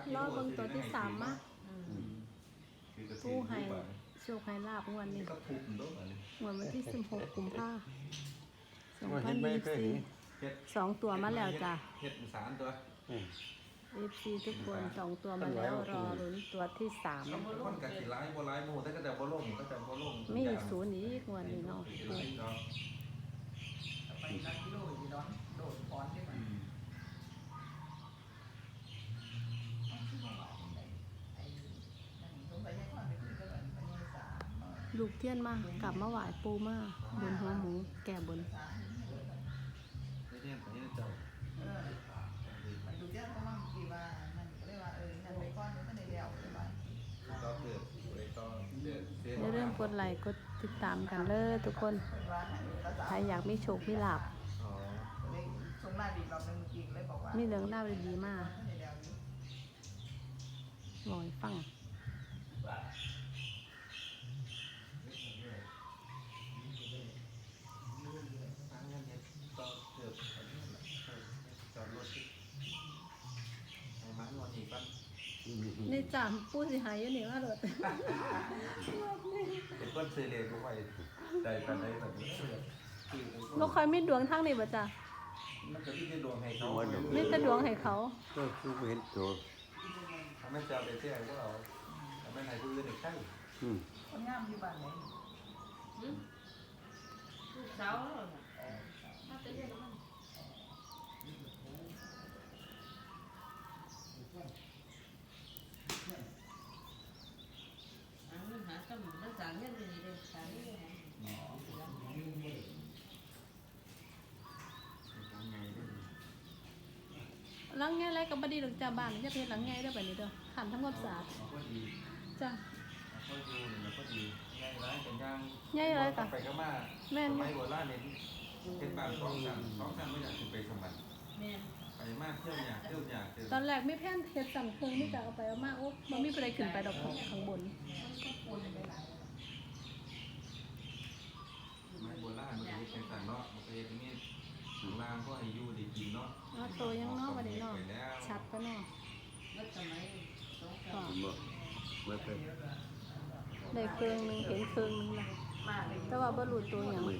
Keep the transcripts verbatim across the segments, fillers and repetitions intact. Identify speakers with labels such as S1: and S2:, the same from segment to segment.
S1: รอเบิ่งตัวที่สามมาผู้ให้โชคให้ลาบงวดนี้งวดวันที่สิบหกกุมภาพันธ์สองพันยี่สิบสี่สองตัวมาแล้วจ้ะ
S2: เฮ็ดสามตัว
S1: เอฟซีทุกคนสองตัวมาแล้วรอลุ้นตัวที่สาม
S2: คนกับสีร้ายบัวร้ายโมแต่ก็จะบัวลงก็จะบัวลง
S1: มีศูนย์อีกงวดนี้เนาะ
S3: ไปนักกิโลอีร้อนโดดก้อนขึ้นมา
S1: ลูกเทียนมากลับมาไหว้ปูมาบนหัวหมูแก่บน
S2: ไม่เนี่ยของนี่เจ้า
S3: เออมันดูเทียนก็มั่งกี่ว่ามันก็เลยว่าเออนั่นไปก้อนมันในเดียวเลยว่า
S2: ก็เกิดเลยก็เดือดเสีย
S1: เรื่องกดไลค์กดติดตามกันเลยทุกคนใครอยากมีโชคมีลาภ
S3: ส่งมาดีรอบนึงกินเลยบอกว่า
S1: มีเรื่องเล่าดีๆมากลอยฟังนี่จามพูดสิหายอยู่นี่ว่าหลด
S2: เป็นคนซื้อเลยก็ไปใจกันได้แบบนี้
S1: เราคอยไม่ดวงทั้งนี่บ่จ้ะ
S2: มันจะที่ดวงให้เขา
S1: ไม่แต่ดวงให้เขา
S4: ก็คือเห็นตัว
S2: ทำให้เจ้าไปเที่ยวก็เราทำให้นายผู้อื่นอีกใช่
S3: คนงามอยู่บ้านไหนลูกสาวน่าจะเรียกมันหาสมุนรักษาเงี้ยดีเลยสามี
S1: หลังไงอะไรกับบดีหลังจากบ้านจะเพชรหลังไงได้แบบนี้เด้อขันทั้งหมดสาจ้ะ
S2: ก็ดีแล้วก็ดีง่ายร้ายเป็นย่าง
S1: ง่ายเลยค่ะ
S2: ไปก็มาแม่ไม่หัวล่าเนี่ยเป็นบางสองสามสองสามไม่อยากไปสมัครไปมากเที่ยวอยากเที่ยวอยาก
S1: ตอนแรกไม่แพ้นเฮ็ดสั่งเครื่องไม่จะเอาไปเอามากโอ้มันไม่ไปได้ขึ้นไปดอกข้างบน
S2: ไม่โบราณมันเป็นสันเนาะมันเป็นอย่างนี้ถึงลางก็อายุดีกินเนาะ
S1: อ๋อโตยังเนาะวันนี้เนาะชัดก็เนาะก็ได้เครื่องนึงเห็นเครื่องนึงละแต่ว่าบรรลุตัวอย่าง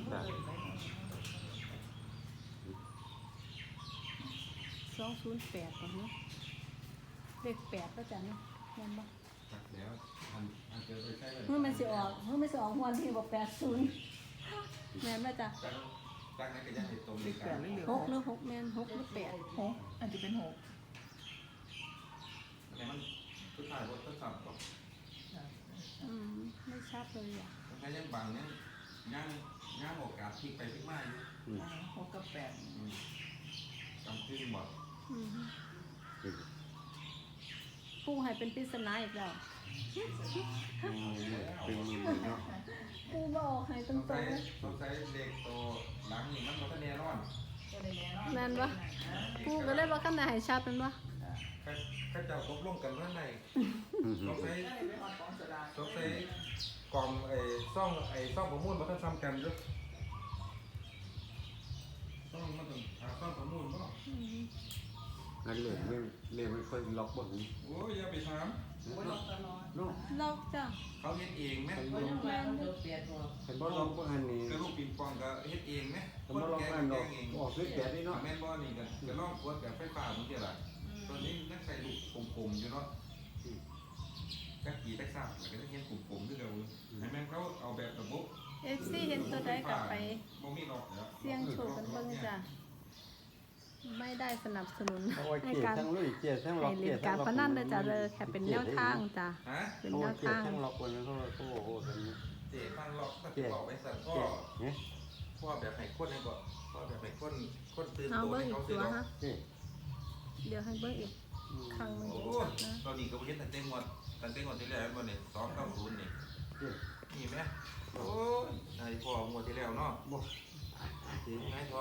S1: สองศูนย์แปดก่อนเนาะเลขแปดก็จะเนาะเงินบ่
S2: จักแล้วอันอันเจอไปใช่เลย
S1: เมื่อมันสิออกเมื่อมันสิออกวันที่บอกแปดศูนย์แม่นบ่จ้ะ
S2: จักนั้นก็ยังเห็นตรงนี้กัน
S1: หกหรือหกแม่นหกหรือแปด
S3: หกอันจะเป็นหก
S2: อันนี้มันทุกท่ายว่าทดสอบก่อน
S1: อืมไม่ชัดเลยอ่ะ
S2: ถ้ายังบางยังยังยังโอกาสพลิกไปพลิกมาอยู่
S3: หกกับแปด
S2: จำชื่อหมด
S1: ผู้ให้เป็นปริศนาอีกแล้วผู้บอกให้ตรงๆ
S2: ต้องใช้เด็กโตหลังนี่มันมันก็แน่นอน
S1: แม่นบ่ผู้ก็เลยว่าขั้นไหนให้ชัดเป็นบ่
S2: ข้าเจ้าตกลงกันว่าไหนต้องใช้ต้องใช้กล่องไอ้ซ่องไอ้ซ่องประมูลมันต้องทำกันด้วยซ่องมันต้องหาซ่องประมูลบ่
S4: นั่นเลยไม่เลยไม่ค่อยล็อกบ่หู
S2: โอ้ยอย่าไปถาม
S1: ล็อกจ้ะ
S2: เขาเฮ็ดเองไหม
S4: เห็นบ่ล็อกบ่อันนี้
S2: กระลูกปิงปองก็เฮ็ดเองไหม
S4: คนแกงเองออกซื้อแกะนี่เนาะ
S2: แม่นบ่นี่ก็กระลอกขวดกับไฟฟ้ามันเท่าไหร่ตอนนี้นักใส่ลูกกลมๆอยู่เนาะกักกี่ตักซับแล้วก็จะเห็นกลมๆด้วยกันให้แม่เขาเอาแบบระบบ
S1: เอฟซีเห็นตัวใดกลับไป
S2: บ่มีหรอก
S1: เสี่ยงโชคกันเบิ่งจ้ะไม่ได้สนับสนุน
S4: ให้การให้เล่น
S1: การพนันเลยจ้ะเลยแค่เป็นแนวทางจ้ะเป็นแนวทาง
S4: ทั้งล็อกคนนั้นเขาโอ้โหตรงนี้
S2: เจ๊ทางล็อกก็จะบอกไว้สั่นก็พ่อแบบให้คนให้บ่พ่อแบบให้คนคนตื่นตัวให้เขาสิเนาะ
S1: เดี๋ยวให้เบิ่งอีกครั้งนึง
S2: นะตอนนี้ก็บ่เห็นตั้งแต่งวดตั้งแต่งวดที่แล้วบ่เนี่ยสองเก้าศูนย์นี่นี่แม่โอ้ยนายพ่องวดที่แล้วเนาะบ่ถึงไงพ่อ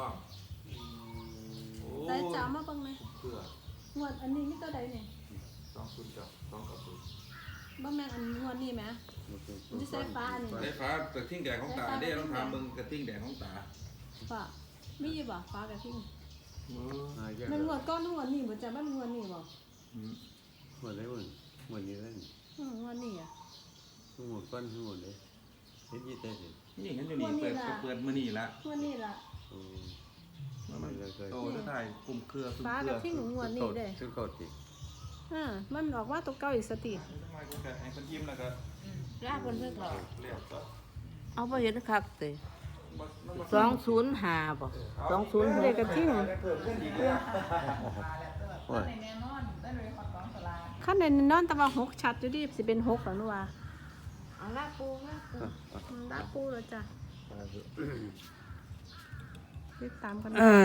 S1: ได้จ้ามาบ้างไหม
S2: เพื่อ
S1: หวดอันนี้ไม่ตัวใดเนี่ย
S2: สองศูนย์จ้ะสองกับศูนย์
S1: บ้าแม่อันงวดนี้ไหมมันจะใส่ฟ้าอันนี้
S2: ใส่ฟ้ากระทิ่งแดงของตาเด้ต้องถามมึงกระทิ่งแดงของตา
S1: ฟ้าไม่ยี่บ่ฟ้ากระทิ่งมันงวดก้อนงวดนี้เหมือนจะมันงวดนี้บ่
S2: ก
S4: หมดเลยหมดหมดนี้แล้ว
S1: อืมวันนี้อ่ะ
S4: หมดก้อนทั้งหมดเลยเฮ็ดยี่เต้สิ
S2: นี่เห็นอยู่นี่เปิดก็เปิดมื้อนี้ละ
S1: วันนี้ล่ะ
S4: โอ้
S2: มันโตจะได้กลุ่มเครือกลุ่ม
S1: ฟ้า
S2: เครื
S1: กับ
S2: อ
S1: ที่หนูงวดนี้เด้
S4: ซึ่งเขาติ
S1: อ่ามันออกว่าตัวเก่าอีกสติ
S2: ทำไมกูจะให้คนยิ้มแล้วก็
S5: ลากคนเพิ่งหรอ
S2: เรียกก็
S5: เอาไปเห็นคักเตะ
S2: มันบ่
S5: สองศูนย์ห้าบ่สองศูนย์ห
S1: เด็
S5: ก
S1: กกับที่หนู
S2: เพิ่มขึ้นอีก
S3: เรื่
S2: แล้
S3: อง
S2: ว
S3: มาแล้วแต่แบบในแน่นอนได้เลยขอของสลาก
S1: ขั้นในนอนตะวันหกชัดอยู่ดิสิเป็นหกหรอหนูว่า
S5: เอาลากปูลากปู
S1: อืมลาปูแล้วจ้ะติดตามกัน